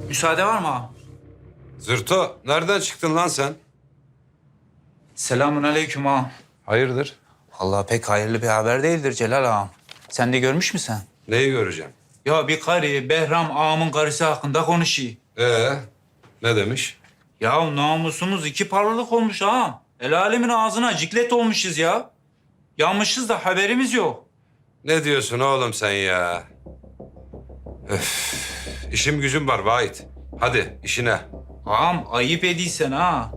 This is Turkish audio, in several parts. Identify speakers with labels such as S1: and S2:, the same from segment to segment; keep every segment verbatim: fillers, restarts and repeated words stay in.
S1: Müsaade var mı ağam?
S2: Zırto, nereden çıktın lan sen?
S1: Selamun aleyküm ağam.
S2: Hayırdır?
S1: Vallahi pek hayırlı bir haber değildir Celal ağam. Sen de görmüş müsün?
S2: Neyi göreceğim?
S1: Ya bir karı Behram ağamın karısı hakkında konuşuyor.
S2: Ee, ne demiş?
S1: Ya namusumuz iki parlılık olmuş ağam. El alemin ağzına ciklet olmuşuz ya. Yanmışız da haberimiz yok.
S2: Ne diyorsun oğlum sen ya? Öf, işim gücüm var Vahit. Hadi işine.
S1: Ağam ayıp ediysen ha.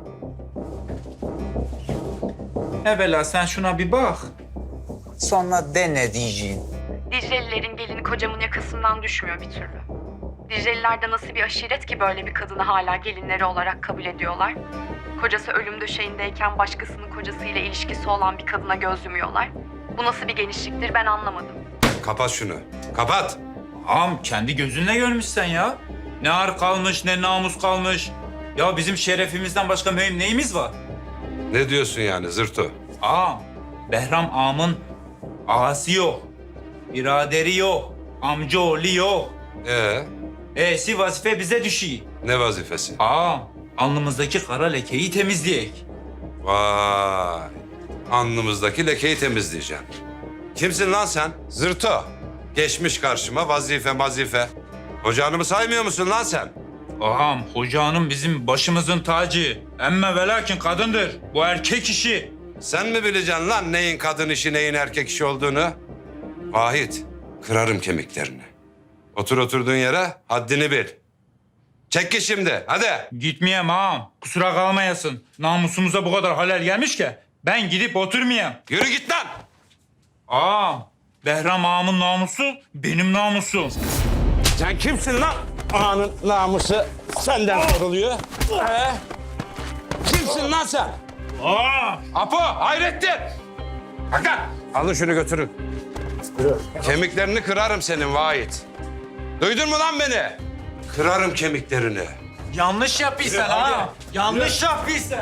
S1: Evvela sen şuna bir bak. Sonra de ne diyeceğin.
S3: Diclelilerin gelini kocamın yakasından düşmüyor bir türlü. Dicleliler de nasıl bir aşiret ki böyle bir kadını hala gelinleri olarak kabul ediyorlar. Kocası ölüm döşeğindeyken başkasının kocasıyla ilişkisi olan bir kadına göz yumuyorlar. Bu nasıl bir genişliktir ben anlamadım.
S2: Kapat şunu. Kapat.
S1: Ağam kendi gözünle görmüşsen ya. Ne ar kalmış ne namus kalmış. Ya bizim şerefimizden başka mühim neyimiz var?
S2: Ne diyorsun yani Zırto?
S1: Ağam, Behram ağamın ağası yok. Biraderi yok. Amcaoğlu yok.
S2: Ee,
S1: E'si vazife bize düşüyor.
S2: ne vazifesi?
S1: Ağam, alnımızdaki kara lekeyi temizleyek.
S2: Vay. Alnımızdaki lekeyi temizleyeceğim. Kimsin lan sen? Zırto. Geçmiş karşıma vazife vazife. Hocanımı saymıyor musun lan sen?
S1: Ağam, hoca hanım bizim başımızın tacı. Emme ve lakin kadındır. Bu erkek işi.
S2: Sen mi bileceksin lan neyin kadın işi neyin erkek işi olduğunu? Vahit, kırarım kemiklerini. Otur oturduğun yere haddini bil. Çek git şimdi hadi.
S1: Gitmeyem ağam. Kusura kalmayasın. Namusumuza bu kadar halel gelmiş ki ben gidip oturmayayım.
S2: Yürü git lan.
S1: Ağam, Behram ağamın namusu benim namusum.
S4: Sen kimsin lan? Ağanın namusu senden soruluyor. Ee? Kimsin lan sen?
S1: Ağam!
S2: Apo, Hayrettin. Hakan, alın şunu götürün. Kemiklerini kırarım senin Vahit. Duydun mu lan beni? Kırarım kemiklerini.
S1: Yanlış yapıyorsun ha. Yanlış yapıyorsun.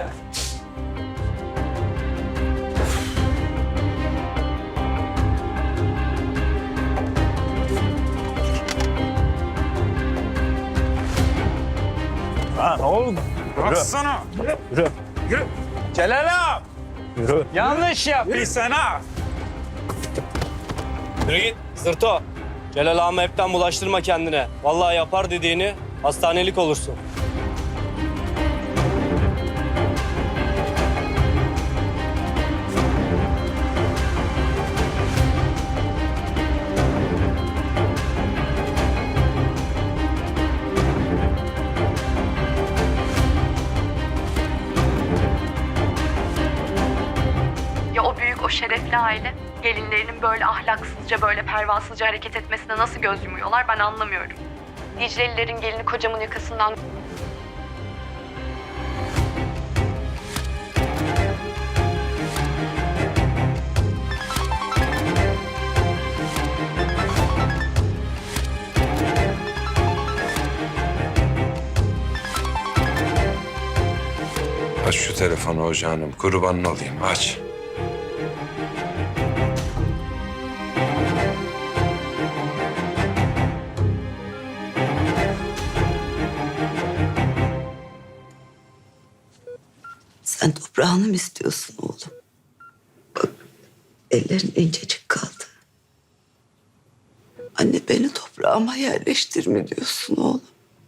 S4: Ha ne oldu?
S1: Baksana.
S4: Yürü.
S1: Yürü. Celal ağam.
S4: Yürü.
S1: Yanlış yapıyorsun ha.
S5: Yürü git Zırto. Celal ağamı hepten bulaştırma kendine. Vallahi yapar dediğini hastanelik olursun.
S3: Ya o büyük o şerefli aile gelinlerinin böyle ahlaksızca böyle pervasızca hareket etmesine nasıl göz yumuyorlar ben anlamıyorum. Diclelilerin gelini kocamın yakasından
S2: Aç şu telefonu hocanım, kurbanın olayım aç.
S6: Sen toprağını mı istiyorsun oğlum? Bak ellerin incecik kaldı. Anne beni toprağıma yerleştir mi diyorsun oğlum?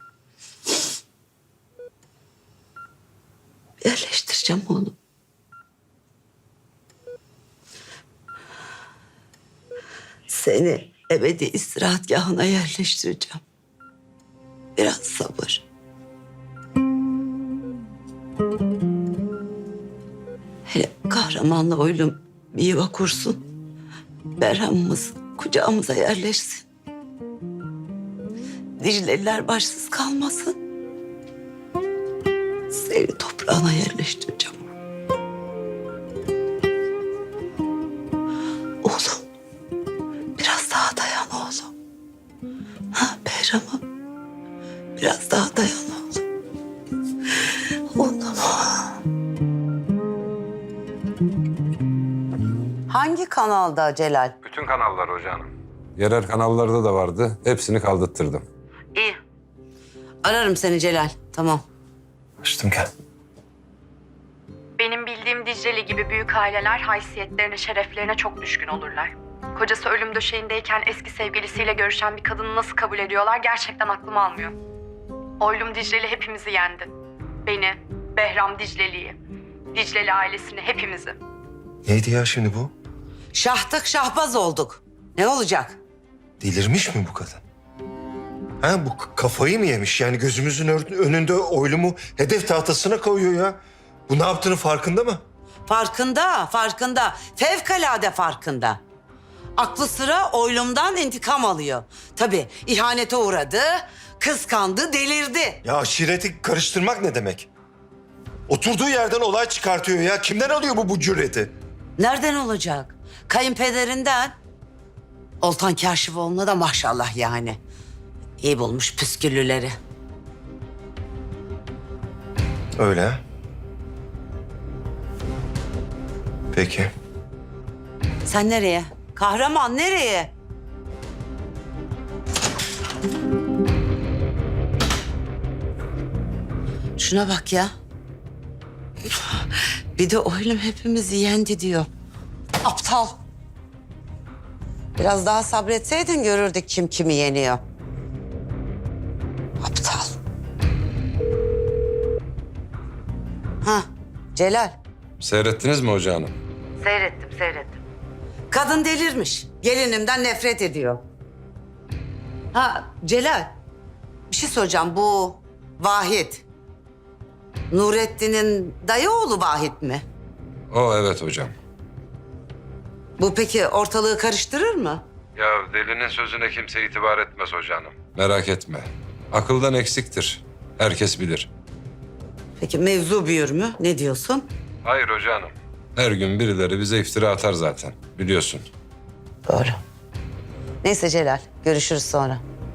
S6: Yerleştireceğim oğlum. Seni ebedi istirahatgahına yerleştireceğim. Biraz sabır. Hele kahramanla oylum bir yuva kursun. Berham'ımız kucağımıza yerleşsin. Dicleliler başsız kalmasın. Seni toprağına yerleştireceğim. Oğlum, biraz daha dayan oğlum. Ha Behram'ım, biraz daha dayan oğlum. Oğlum. Hangi kanalda Celal?
S2: Bütün kanallar hocanım. Yerel kanallarda da vardı. Hepsini kaldırttırdım.
S6: İyi. Ararım seni Celal. Tamam.
S7: Açtım gel.
S3: Benim bildiğim Dicle'li gibi büyük aileler haysiyetlerine, şereflerine çok düşkün olurlar. Kocası ölüm döşeğindeyken eski sevgilisiyle görüşen bir kadını nasıl kabul ediyorlar gerçekten aklım almıyor. Oylum Dicle'li hepimizi yendi. Beni, Behram Dicle'liyi, Dicle'li ailesini, hepimizi.
S7: Neydi ya şimdi bu?
S6: Şahtık şahbaz olduk. Ne olacak?
S7: Delirmiş mi bu kadın? Ha bu k- kafayı mı yemiş? Yani gözümüzün ör- önünde oylumu hedef tahtasına koyuyor ya. Bu ne yaptığının farkında mı?
S6: Farkında, farkında. Fevkalade farkında. Aklı sıra oylumdan intikam alıyor. Tabii ihanete uğradı, kıskandı, delirdi.
S7: Ya aşireti karıştırmak ne demek? Oturduğu yerden olay çıkartıyor ya. Kimden alıyor bu bu cüreti?
S6: Nereden olacak? Kayınpederinden. Oltan Kaşifoğlu'na da maşallah yani. İyi bulmuş püsküllüleri.
S7: Öyle ha? Peki.
S6: Sen nereye? Kahraman nereye? Şuna bak ya. Bir de oylum hepimizi yendi diyor. Aptal. Biraz daha sabretseydin görürdük kim kimi yeniyor. Aptal. Ha, Celal.
S2: Seyrettiniz mi Hoca Hanım?
S6: Seyrettim, seyrettim. Kadın delirmiş. Gelinimden nefret ediyor. Ha Celal, bir şey soracağım. Bu Vahit, Nurettin'in dayı oğlu Vahit mi?
S2: O evet hocam.
S6: Bu peki ortalığı karıştırır mı?
S2: Ya delinin sözüne kimse itibar etmez Hoca Hanım. Merak etme. Akıldan eksiktir. Herkes bilir.
S6: Peki mevzu büyür mü? Ne diyorsun?
S2: Hayır Hoca Hanım. Her gün birileri bize iftira atar zaten. Biliyorsun.
S6: Doğru. Neyse Celal, görüşürüz sonra.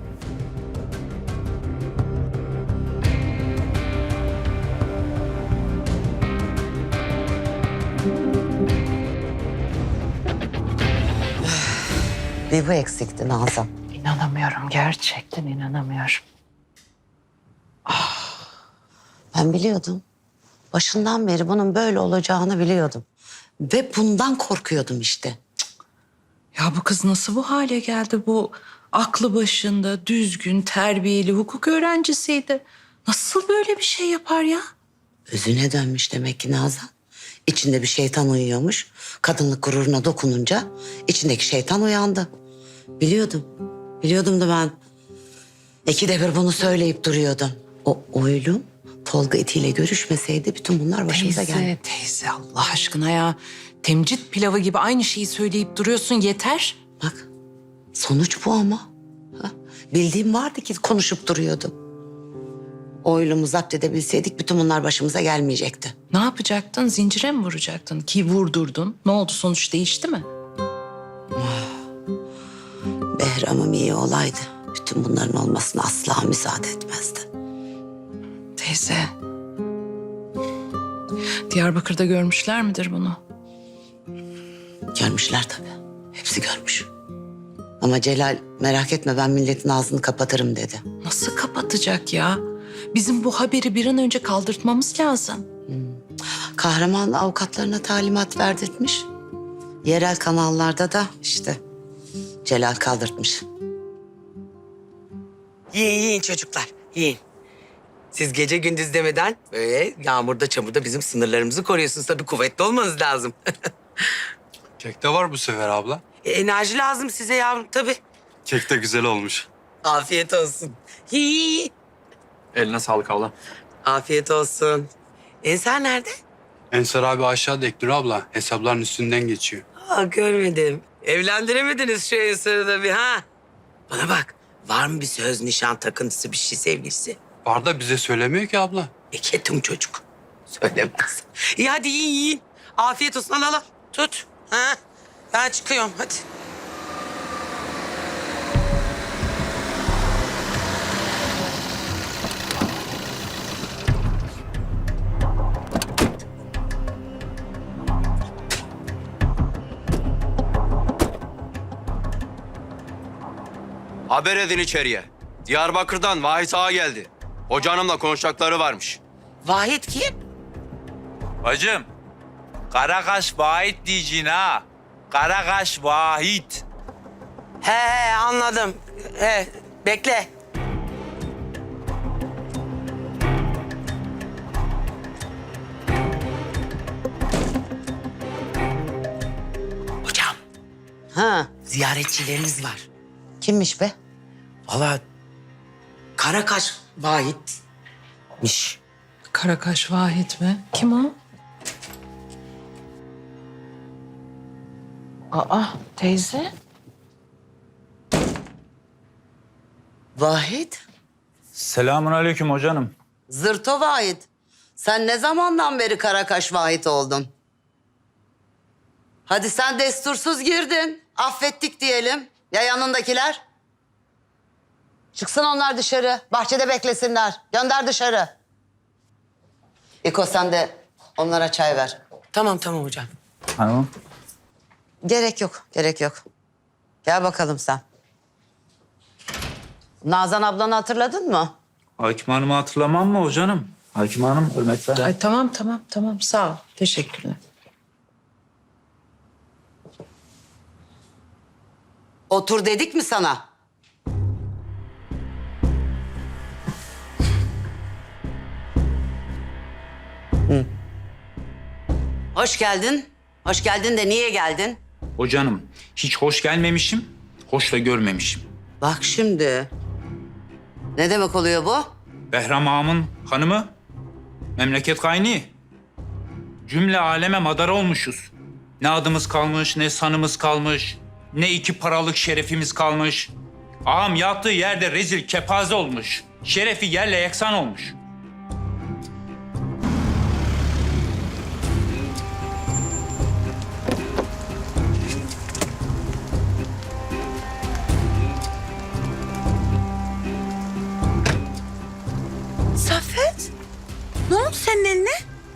S6: Bir bu eksikti Nazan.
S8: İnanamıyorum, gerçekten inanamıyorum.
S6: Ben biliyordum. Başından beri bunun böyle olacağını biliyordum. Ve bundan korkuyordum işte.
S8: Ya bu kız nasıl bu hale geldi? Bu aklı başında, düzgün, terbiyeli hukuk öğrencisiydi. Nasıl böyle bir şey yapar ya?
S6: Özüne dönmüş demek ki Nazan. İçinde bir şeytan uyuyormuş. Kadınlık gururuna dokununca içindeki şeytan uyandı. Biliyordum. Biliyordum da ben. İkide bir bunu söyleyip duruyordum. O oylum Tolga itiyle görüşmeseydi bütün bunlar başımıza geldi.
S8: Teyze, teyze Allah aşkına ya. Temcit pilavı gibi aynı şeyi söyleyip duruyorsun, yeter.
S6: Bak sonuç bu ama. Ha? Bildiğim vardı ki konuşup duruyordum. Oylumu zapt edebilseydik bütün bunlar başımıza gelmeyecekti.
S8: Ne yapacaktın? Zincire mi vuracaktın? Ki vurdurdun. Ne oldu? Sonuç değişti mi?
S6: Behram'ım iyi olaydı. Bütün bunların olmasına asla müsaade etmezdi.
S8: Teyze. Diyarbakır'da görmüşler midir bunu?
S6: Görmüşler tabii. Hepsi görmüş. Ama Celal merak etme ben milletin ağzını kapatırım dedi.
S8: Nasıl kapatacak ya? Bizim bu haberi bir an önce kaldırtmamız lazım.
S6: Kahraman avukatlarına talimat verdirtmiş. Yerel kanallarda da işte Celal kaldırtmış.
S9: Yiyin yiyin çocuklar, yiyin. Siz gece gündüz demeden böyle yağmurda çamurda bizim sınırlarımızı koruyorsunuz. Tabii kuvvetli olmanız lazım.
S10: Kek de var bu sefer abla.
S9: E, enerji lazım size yavrum tabii.
S10: Kek de güzel olmuş.
S9: Afiyet olsun. Yiyin.
S10: Eline sağlık abla.
S9: Afiyet olsun. Ensar nerede?
S10: Ensar abi aşağıda Eknur abla. Hesapların üstünden geçiyor.
S9: Aa, görmedim. Evlendiremediniz şu Ensar'ı da bir ha. Bana bak, var mı bir söz, nişan, takıntısı, bir şey sevgilisi?
S10: Var da bize söylemiyor ki abla.
S9: E ketum çocuk. Söylemez. İyi hadi yiyin yiyin. Afiyet olsun, al al al. Tut. Ha? Ben çıkıyorum hadi.
S5: Haber edin içeriye. Diyarbakır'dan Vahit Ağa geldi. Hoca hanımla konuşacakları varmış.
S9: Vahit kim?
S1: Bacım, Karakaş Vahit diyeceksin ha. Karakaş Vahit.
S9: He he anladım. He bekle. Hocam
S6: Ha,
S9: ziyaretçileriniz var.
S6: kimmiş be?
S9: Vallahi Karakaş Vahit'miş.
S8: Karakaş Vahit mi? Kim o? Aa teyze.
S6: Vahit?
S1: Selamun aleyküm hocanım.
S6: Zırto Vahit. Sen ne zamandan beri Karakaş Vahit oldun? Hadi sen destursuz girdin. Affettik diyelim. Ya yanındakiler? Çıksın onlar dışarı. Bahçede beklesinler. Gönder dışarı. İko sen de onlara çay ver.
S9: Tamam tamam hocam.
S1: Hanım.
S6: Gerek yok, gerek yok. Gel bakalım sen. Nazan ablanı hatırladın mı?
S1: Hakim Hanım'ı hatırlamam mı hocanım? Hakim Hanım, hürmetler.
S8: Ay tamam tamam tamam sağ ol. Teşekkürler.
S6: Otur dedik mi sana? Hı. Hoş geldin. Hoş geldin de niye geldin?
S1: Hocanım, hiç hoş gelmemişim, hoş da görmemişim.
S6: Bak şimdi. Ne demek oluyor bu?
S1: Behram Ağam'ın hanımı, memleket kaynıyor. Cümle aleme madara olmuşuz. Ne adımız kalmış, ne sanımız kalmış, ne iki paralık şerefimiz kalmış. Ağam yattığı yerde rezil kepaze olmuş. Şerefi yerle yeksan olmuş.
S11: Saffet, ne oldu senin eline?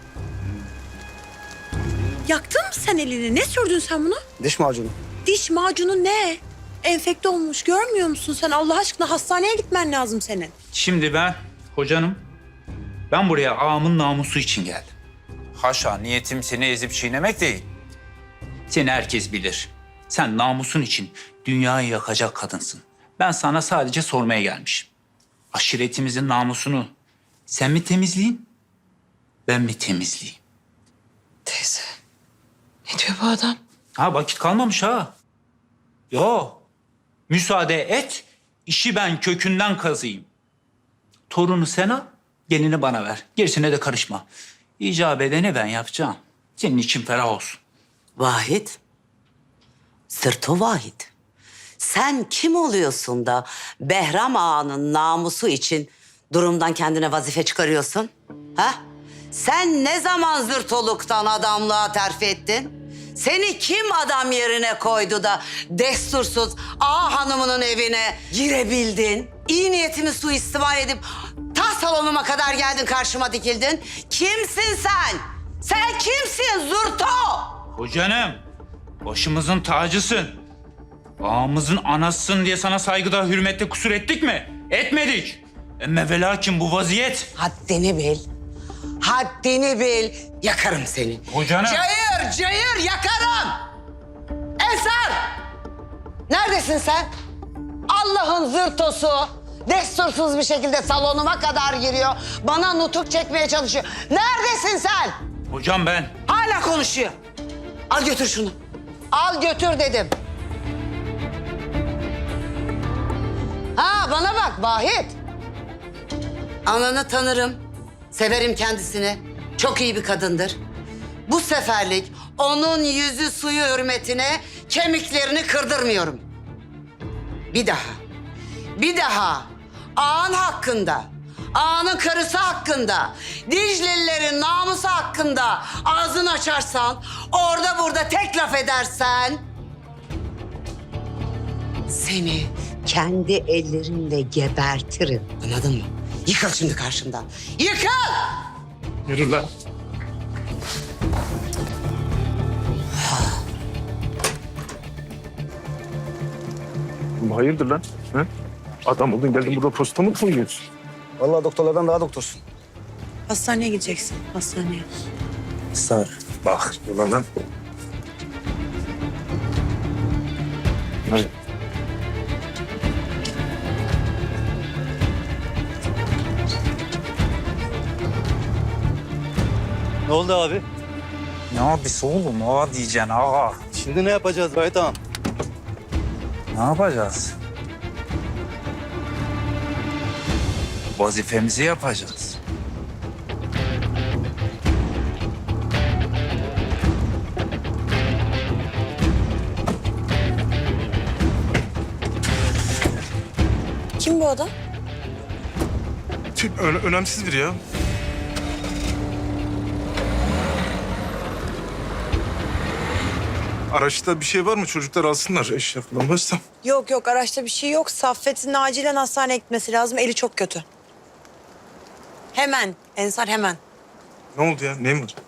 S11: Yaktın mı sen elini? Ne sürdün sen bunu?
S5: Diş macunu.
S11: Diş macunu ne? Enfekte olmuş görmüyor musun sen? Allah aşkına hastaneye gitmen lazım senin.
S1: Şimdi ben, hocanım, ben buraya ağamın namusu için geldim. Haşa, niyetim seni ezip çiğnemek değil. Seni herkes bilir. Sen namusun için dünyayı yakacak kadınsın. Ben sana sadece sormaya gelmişim. Aşiretimizin namusunu sen mi temizleyin, ben mi temizleyeyim?
S8: Teyze. Ne diyor bu adam?
S1: Ha, vakit kalmamış ha. Yo, müsaade et, işi ben kökünden kazıyım. Torunu sen al, gelini bana ver. Gerisine de karışma. İcap edeni ben yapacağım. Senin için ferah olsun.
S6: Vahit. Sırto Vahit. Sen kim oluyorsun da Behram Ağa'nın namusu için durumdan kendine vazife çıkarıyorsun? Ha? Sen ne zaman zırtoluktan adamlığa terfi ettin? Seni kim adam yerine koydu da destursuz ağa hanımının evine girebildin? İyi niyetimi suistimal edip ta salonuma kadar geldin, karşıma dikildin. Kimsin sen? Sen kimsin Zurto?
S1: Hocanım, başımızın tacısın. Ağamızın anasısın diye sana saygıda, hürmette kusur ettik mi? Etmedik. Emme ve lakin bu vaziyet...
S6: Haddini bil. Haddini bil. Yakarım seni.
S1: Hocanım.
S6: Cayır cayır yakarım. Ensar. Neredesin sen? Allah'ın zırtosu. Destursuz bir şekilde salonuma kadar giriyor. Bana nutuk çekmeye çalışıyor. Neredesin sen?
S1: Hocam ben...
S6: Hala konuşuyor. Al götür şunu. Al götür dedim. Ha bana bak Vahit. Ananı tanırım. Severim kendisini. Çok iyi bir kadındır. Bu seferlik onun yüzü suyu hürmetine kemiklerini kırdırmıyorum. Bir daha, bir daha ağan hakkında, ağanın karısı hakkında, Diclelilerin namusu hakkında ağzını açarsan, orada burada tek laf edersen... seni kendi ellerimle gebertirim. Anladın mı? Yıkıl şimdi karşımdan. Yıkıl!
S4: Yürü lan.
S12: Hayırdır lan? Ha? Adam oldun geldin burada posta mı koyuyorsun?
S5: Vallahi doktorlardan daha doktorsun.
S11: Hastaneye gideceksin. Hastaneye.
S5: Sağ ol.
S7: Bak ulan.
S5: Ne oldu abi?
S1: Ne abisi oğlum? Ağa diyeceksin ağa.
S5: Şimdi ne yapacağız Vahit ağam?
S1: Ne yapacağız? Vazifemizi yapacağız.
S11: Kim bu adam?
S12: Tüm ö- önemsiz biri ya. Araçta bir şey var mı? Çocuklar alsınlar eşya falan varsa.
S11: Yok yok araçta bir şey yok. Saffet'in acilen hastaneye gitmesi lazım. Eli çok kötü. Hemen. Ensar hemen.
S12: Ne oldu ya? Neyin var?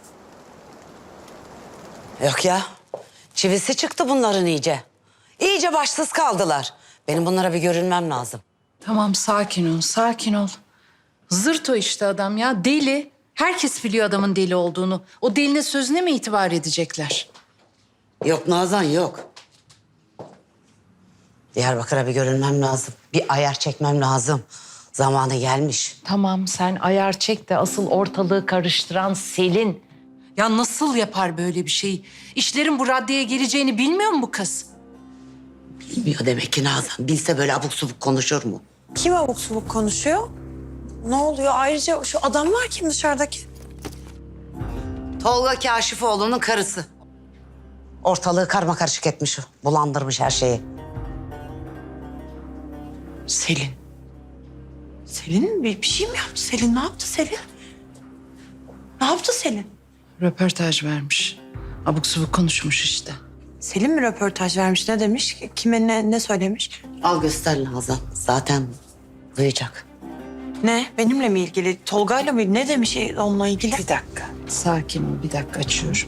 S6: Yok ya. Çivisi çıktı bunların iyice. İyice başsız kaldılar. Benim bunlara bir görünmem lazım.
S8: Tamam sakin ol, sakin ol. Zırt o işte adam ya, deli. Herkes biliyor adamın deli olduğunu. O delinin sözüne mi itibar edecekler?
S6: Yok Nazan yok. Diyarbakır'a bir görünmem lazım. Bir ayar çekmem lazım. Zamanı gelmiş.
S8: Tamam sen ayar çek de asıl ortalığı karıştıran Selin. Ya nasıl yapar böyle bir şeyi? İşlerin bu raddeye geleceğini bilmiyor mu bu kız?
S6: Bilmiyor demek ki Nazan. Bilse böyle abuk subuk konuşur mu?
S11: Kim abuk subuk konuşuyor? Ne oluyor? Ayrıca şu adam var kim dışarıdaki?
S6: Tolga Kaşifoğlu'nun karısı. Ortalığı karma karışık etmiş o. Bulandırmış her şeyi.
S11: Selin. Selin bir, bir şey mi yaptı Selin? Ne yaptı Selin? Ne yaptı Selin?
S8: Röportaj vermiş. Abuk subuk konuşmuş işte.
S11: Selin mi röportaj vermiş? Ne demiş? Kime ne, ne söylemiş?
S6: Al göster Nazan. Zaten duyacak.
S11: Ne? Benimle mi ilgili? Tolga'yla mı? Ne demiş onunla ilgili?
S8: Bir dakika. Sakin ol, bir dakika açıyorum.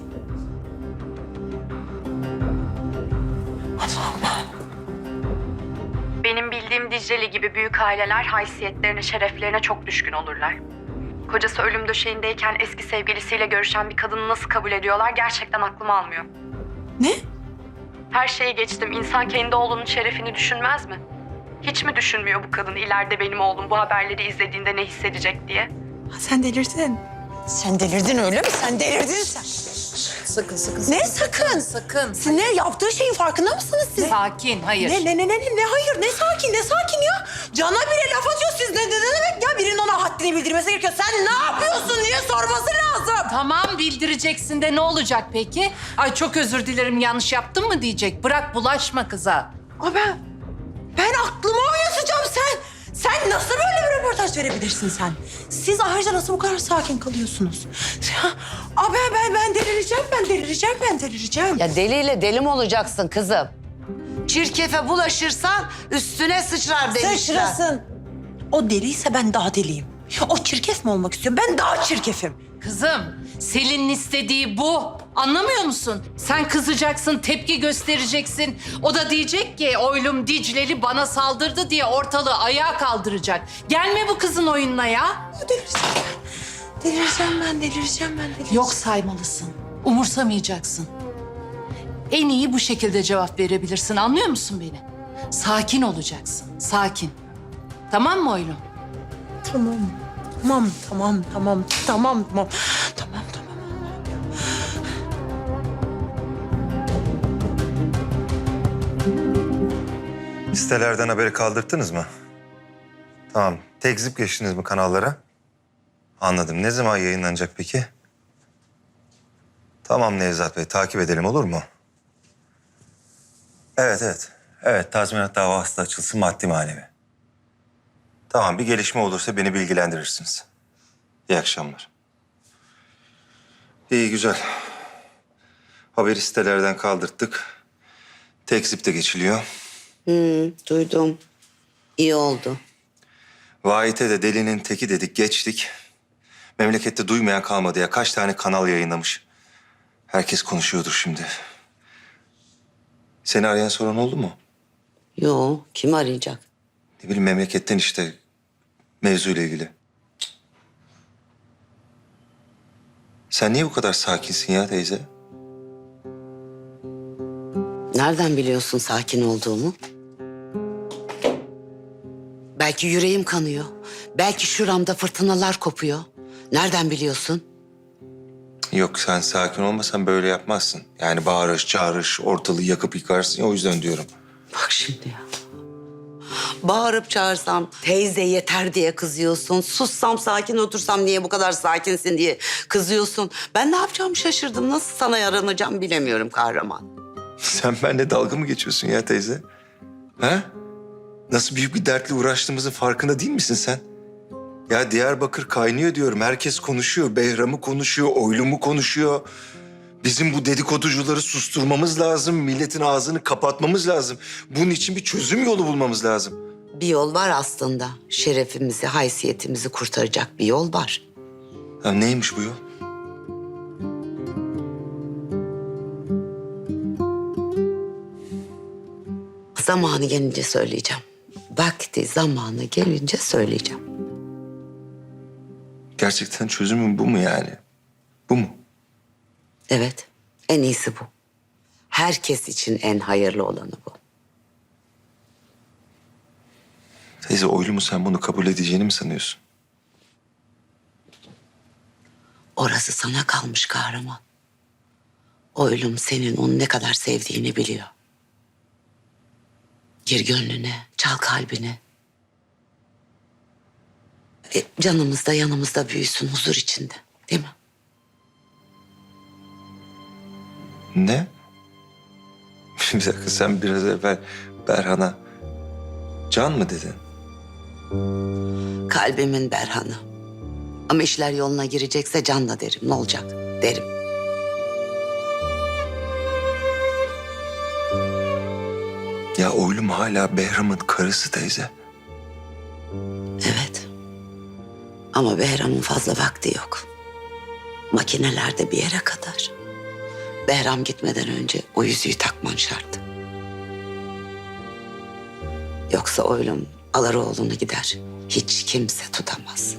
S3: Benim bildiğim Dicle'li gibi büyük aileler haysiyetlerine, şereflerine çok düşkün olurlar. Kocası ölüm döşeğindeyken eski sevgilisiyle görüşen bir kadını nasıl kabul ediyorlar gerçekten aklım almıyor.
S11: Ne?
S3: Her şeyi geçtim. İnsan kendi oğlunun şerefini düşünmez mi? Hiç mi düşünmüyor bu kadın ileride benim oğlum bu haberleri izlediğinde ne hissedecek diye?
S11: Ha, sen delirdin. Sen delirdin öyle mi? Sen delirdin sen.
S8: Sakın, sakın.
S11: Ne sakın?
S8: Sakın.
S11: Siz ne yaptığı şeyin farkında mısınız siz?
S8: Sakin, hayır.
S11: Ne ne ne ne ne ne hayır ne sakin ne sakin ya. Cana bile laf atıyor siz ne, ne, ne demek ya birinin ona haddini bildirmesi gerekiyor. Sen ne yapıyorsun diye sorması lazım.
S8: Tamam bildireceksin de ne olacak peki? Ay çok özür dilerim yanlış yaptım mı diyecek. Bırak bulaşma kıza.
S11: Aa ben ben aklıma oynatacağım sen. Sen nasıl böyle bir röportaj verebilirsin sen? Siz ayrıca nasıl bu kadar sakin kalıyorsunuz? Aa ben ben ben delireceğim ben delireceğim ben delireceğim.
S6: Ya deliyle deli mi olacaksın kızım? Çirkefe bulaşırsan üstüne sıçrar demişler.
S11: Sıçrasın. O deliyse ben daha deliyim. O çirkef mi olmak istiyor? Ben daha çirkefim.
S8: Kızım Selin'in istediği bu. Anlamıyor musun? Sen kızacaksın, tepki göstereceksin. O da diyecek ki oylum Dicle'li bana saldırdı diye ortalığı ayağa kaldıracak. Gelme bu kızın oyununa ya.
S11: Delireceğim ben. Delireceğim ben, delireceğim ben, delireceğim.
S8: Yok saymalısın. Umursamayacaksın. En iyi bu şekilde cevap verebilirsin. Anlıyor musun beni? Sakin olacaksın. Sakin. Tamam mı oylum?
S11: Tamam. Tamam, tamam, tamam, tamam, tamam. Tamam, tamam.
S7: Sitelerden haberi kaldırttınız mı? Tamam. Tekzip geçtiniz mi kanallara? Anladım. Ne zaman yayınlanacak peki? Tamam Nevzat Bey. Takip edelim olur mu? Evet, evet. Evet, tazminat davası da açılsın maddi manevi. Tamam, bir gelişme olursa beni bilgilendirirsiniz. İyi akşamlar. İyi, güzel. Haberi sitelerden kaldırttık. Tekzip de geçiliyor.
S6: Hmm, duydum. İyi oldu.
S7: Vahit'e de delinin teki dedik, geçtik. Memlekette duymayan kalmadı ya. Kaç tane kanal yayınlamış. Herkes konuşuyordur şimdi. Seni arayan soran oldu mu?
S6: Yo, kim arayacak?
S7: Ne bileyim memleketten işte. Mevzuyla ilgili. Cık. Sen niye bu kadar sakinsin ya teyze?
S6: Nereden biliyorsun sakin olduğumu? Belki yüreğim kanıyor. Belki şuramda fırtınalar kopuyor. Nereden biliyorsun?
S7: Yok, sen sakin olmasan böyle yapmazsın. Yani bağırış, çağırış, ortalığı yakıp yıkarsın ya, o yüzden diyorum.
S6: Bak şimdi ya. Bağırıp çağırsam teyze yeter diye kızıyorsun. Sussam, sakin otursam niye bu kadar sakinsin diye kızıyorsun. Ben ne yapacağımı şaşırdım. Nasıl sana yaranacağım bilemiyorum kahraman.
S7: Sen benimle dalga mı geçiyorsun ya teyze? Ha? Nasıl büyük bir dertle uğraştığımızın farkında değil misin sen? Ya Diyarbakır kaynıyor diyorum. Herkes konuşuyor. Behram'ı konuşuyor, Oylum'u konuşuyor. Bizim bu dedikoducuları susturmamız lazım. Milletin ağzını kapatmamız lazım. Bunun için bir çözüm yolu bulmamız lazım.
S6: Bir yol var aslında. Şerefimizi, haysiyetimizi kurtaracak bir yol var.
S7: Ya neymiş bu yol?
S6: Zamanı gelince söyleyeceğim. Vakti, zamanı gelince söyleyeceğim.
S7: Gerçekten çözümün bu mu yani? Bu mu?
S6: Evet, en iyisi bu. Herkes için en hayırlı olanı bu.
S7: Teyze, Oylum'u sen bunu kabul edeceğini mi sanıyorsun?
S6: Orası sana kalmış kahraman. Oylum senin onu ne kadar sevdiğini biliyor. Gir gönlüne, çal kalbine. E, canımızda yanımızda büyüsün huzur içinde, değil mi?
S7: Ne? Bir dakika, sen biraz evvel Berhan'a can mı dedin?
S6: Kalbimin Berhan'ı. Ama işler yoluna girecekse canla derim. Ne olacak derim.
S7: Ya Oylum hala Behram'ın karısı teyze.
S6: Evet. Ama Behram'ın fazla vakti yok. Makinelerde bir yere kadar. Behram gitmeden önce o yüzüğü takman şart. Yoksa Oylum alır oğlunu gider. Hiç kimse tutamaz.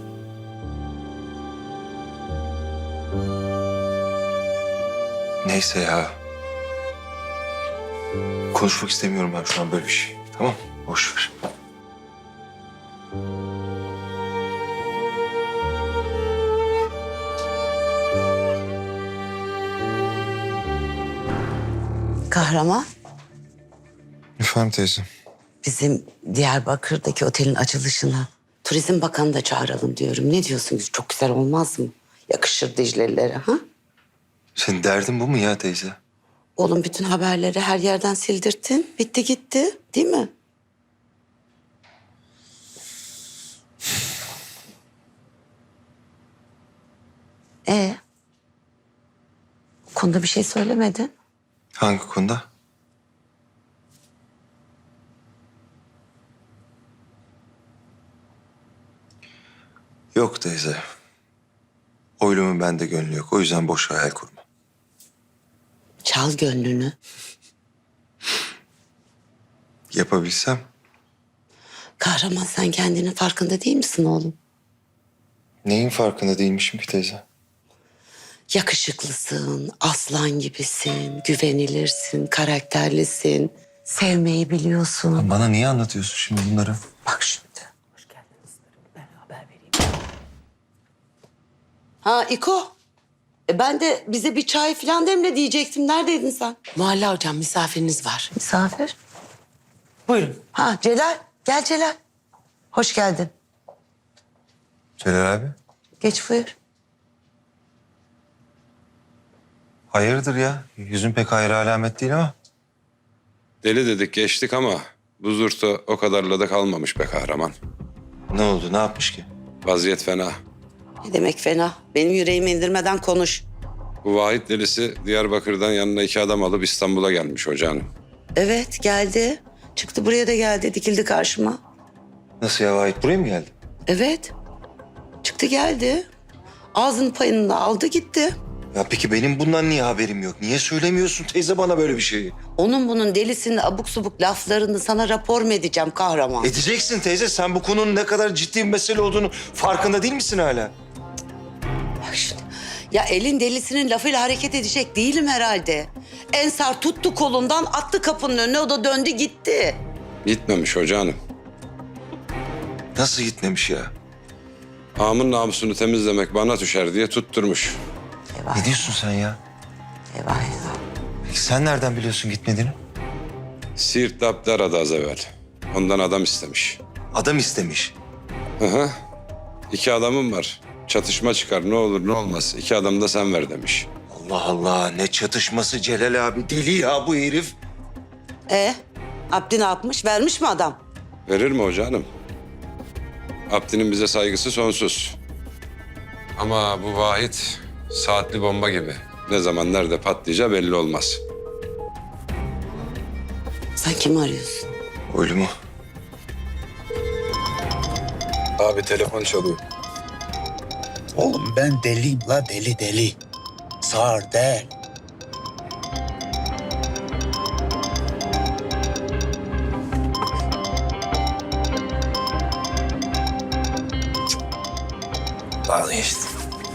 S7: Neyse ya. Konuşmak istemiyorum ben şu an böyle bir şey. Tamam, boş ver.
S6: Kahraman,
S7: Efendim teyze.
S6: bizim Diyarbakır'daki otelin açılışına Turizm Bakanı da çağıralım diyorum. Ne diyorsunuz? Çok güzel olmaz mı? Yakışır Dicle'lilere, ha?
S7: Senin derdin bu mu ya teyze?
S6: Oğlum bütün haberleri her yerden sildirttin. Bitti gitti, değil mi? Ee, konuda bir şey söylemedin.
S7: Hangi konuda? Yok teyze. Oylum'un bende gönlü yok. O yüzden boş hayal kurma.
S6: Çal gönlünü.
S7: Yapabilsem.
S6: Kahraman, sen kendinin farkında değil misin oğlum?
S7: Neyin farkında değilmişim ki teyze?
S6: Yakışıklısın, aslan gibisin, güvenilirsin, karakterlisin. Sevmeyi biliyorsun.
S7: Bana niye anlatıyorsun şimdi bunları?
S6: Bak şimdi. Hoş geldiniz. Ben haber vereyim. Ha İko. E ben de bize bir çay falan demle diyecektim. Neredeydin sen?
S11: Muhalla hocam misafiriniz var.
S6: Misafir.
S11: Buyurun.
S6: Ha Celal. Gel Celal. Hoş geldin.
S7: Celal abi.
S6: Geç buyur.
S7: Hayırdır ya? Yüzün pek hayra alamet değil ama.
S2: Deli dedik geçtik ama bu zurta o kadarla da kalmamış be kahraman.
S7: Ne oldu? Ne yapmış ki?
S2: Vaziyet fena.
S6: Ne demek fena? Benim yüreğimi indirmeden konuş.
S2: Bu Vahit delisi Diyarbakır'dan yanına iki adam alıp İstanbul'a gelmiş hocanım.
S6: Evet geldi. Çıktı buraya da geldi. Dikildi karşıma.
S7: Nasıl ya, Vahit buraya mı geldi?
S6: Evet. Çıktı geldi. Ağzının payını da aldı gitti.
S7: Ya peki benim bundan niye haberim yok? Niye söylemiyorsun teyze bana böyle bir şeyi?
S6: Onun bunun delisinin abuk subuk laflarını sana rapor mu edeceğim kahraman?
S7: Edeceksin teyze. Sen bu konunun ne kadar ciddi bir mesele olduğunu farkında değil misin hala?
S6: Bak şimdi. Ya elin delisinin lafıyla hareket edecek değilim herhalde. Ensar tuttu kolundan attı kapının önüne, o da döndü gitti.
S2: Gitmemiş hoca hanım.
S7: Nasıl gitmemiş ya?
S2: Ağamın namusunu temizlemek bana düşer diye tutturmuş.
S6: Eyvah,
S7: Ne diyorsun sen ya?
S6: eyvah, eyvah.
S7: Peki sen nereden biliyorsun gitmediğini?
S2: Siirt'te Abdi aradı az evvel. Ondan adam istemiş.
S7: Adam istemiş.
S2: Hı hı. İki adamım var. Çatışma çıkar ne olur ne olmaz. İki adam da sen ver demiş.
S7: Allah Allah, ne çatışması Celal abi. Deli ya bu herif.
S6: E Abdi ne yapmış? Vermiş mi adam?
S2: Verir mi hoca hanım? Abdi'nin bize saygısı sonsuz. Ama bu Vahit saatli bomba gibi. Ne zaman nerede patlayacağı belli olmaz.
S6: Sen kimi arıyorsun?
S7: Öyle mu?
S2: Abi telefon çalıyor.
S13: Oğlum ben deliyim la, deli deli. Sağır değil.
S7: Vazgeçtim.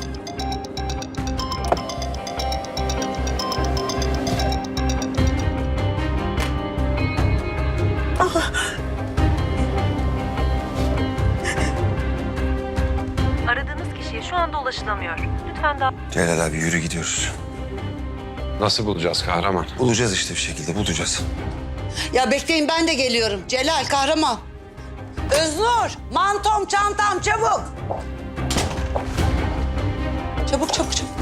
S3: Aradığınız kişiye şu anda ulaşılamıyor. Lütfen daha...
S7: Celal abi yürü gidiyoruz.
S2: Nasıl bulacağız kahraman?
S7: Bulacağız işte bir şekilde bulacağız.
S6: Ya bekleyin, ben de geliyorum. Celal, kahraman. Öznur, mantom, çantam, çabuk. Çabuk, çabuk, çabuk.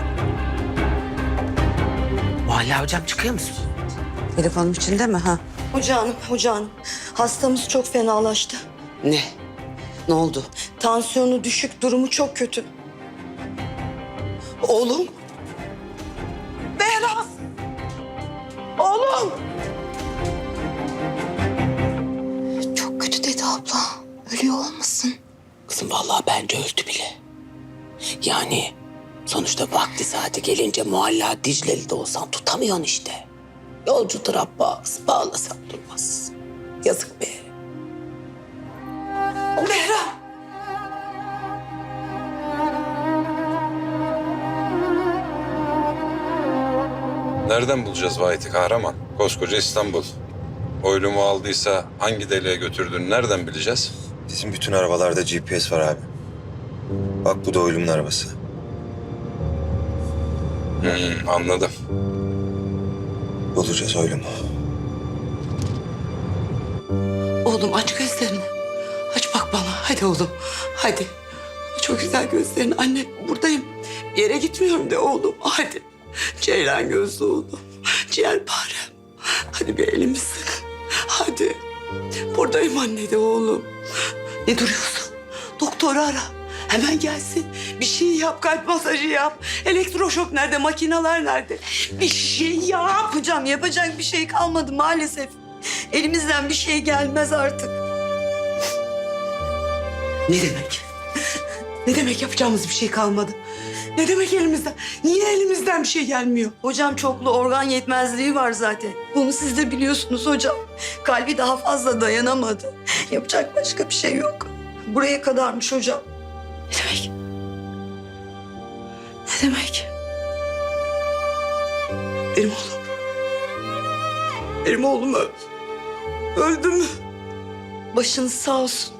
S9: Muhalla hocam çıkıyor musun?
S6: Telefonum içinde mi ha?
S11: Hoca hanım, hoca hanım. Hastamız çok fenalaştı.
S6: Ne? Ne oldu?
S11: Tansiyonu düşük, durumu çok kötü.
S6: Oğlum.
S11: Behram! Oğlum! Çok kötü dedi abla. Ölüyor olmasın?
S9: Kızım vallahi bence öldü bile. Yani sonuçta vakti saati gelince muhalla Dicle'li de olsan tutamıyorsun işte. Yolcudur Abbas, bağlasan durmaz. Yazık be.
S11: Behram!
S2: Nereden bulacağız Vahit'i kahraman? Koskoca İstanbul. Oylumu aldıysa hangi deliğe götürdüğünü nereden bileceğiz?
S7: Bizim bütün arabalarda G P S var abi. Bak bu da oylumun arabası.
S2: Hmm, anladım.
S7: Bulacağız oylumu.
S6: Oğlum aç gözlerini. Aç bak bana. Hadi oğlum. Hadi. Çok güzel gözlerini. Anne buradayım. Bir yere gitmiyorum de oğlum. Hadi. Ceylan gözlü oğlum. Ciğerparem. Hadi bir elimi sık. Hadi. Buradayım anne de oğlum. Ne duruyorsun? Doktoru ara. Hemen gelsin. Bir şey yap. Kalp masajı yap. Elektroşok nerede? Makineler nerede? Bir şey yap.
S11: Hocam yapacak bir şey kalmadı maalesef. Elimizden bir şey gelmez artık.
S6: Ne demek? Ne demek yapacağımız bir şey kalmadı? Ne demek elimizden? Niye elimizden bir şey gelmiyor?
S11: Hocam çoklu organ yetmezliği var zaten. Bunu siz de biliyorsunuz hocam. Kalbi daha fazla dayanamadı. Yapacak başka bir şey yok. Buraya kadarmış hocam.
S6: Ne demek? Ne demek? Benim oğlum. Benim oğlum öldü. Öldü mü?
S11: Başınız sağ olsun.